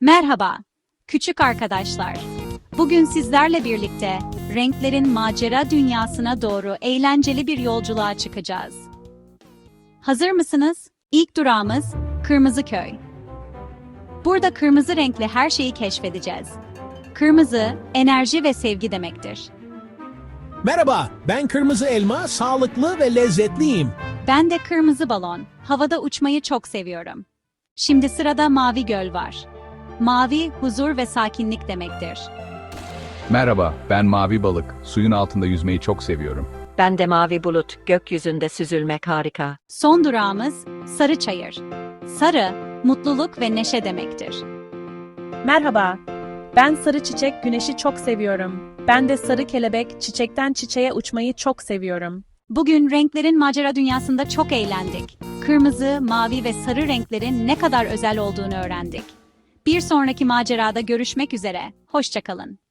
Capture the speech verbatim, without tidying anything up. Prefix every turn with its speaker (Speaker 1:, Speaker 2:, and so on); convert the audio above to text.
Speaker 1: Merhaba, küçük arkadaşlar. Bugün sizlerle birlikte renklerin macera dünyasına doğru eğlenceli bir yolculuğa çıkacağız. Hazır mısınız? İlk durağımız Kırmızı Köy. Burada kırmızı renkli her şeyi keşfedeceğiz. Kırmızı, enerji ve sevgi demektir.
Speaker 2: Merhaba, ben Kırmızı Elma, sağlıklı ve lezzetliyim.
Speaker 1: Ben de Kırmızı Balon, havada uçmayı çok seviyorum. Şimdi sırada Mavi Göl var. Mavi, huzur ve sakinlik demektir.
Speaker 3: Merhaba, ben Mavi Balık. Suyun altında yüzmeyi çok seviyorum.
Speaker 4: Ben de mavi bulut, gökyüzünde süzülmek harika.
Speaker 1: Son durağımız Sarı Çayır. Sarı, mutluluk ve neşe demektir.
Speaker 5: Merhaba, ben sarı çiçek güneşi çok seviyorum. Ben de sarı kelebek çiçekten çiçeğe uçmayı çok seviyorum.
Speaker 1: Bugün renklerin macera dünyasında çok eğlendik. Kırmızı, mavi ve sarı renklerin ne kadar özel olduğunu öğrendik. Bir sonraki macerada görüşmek üzere. Hoşça kalın.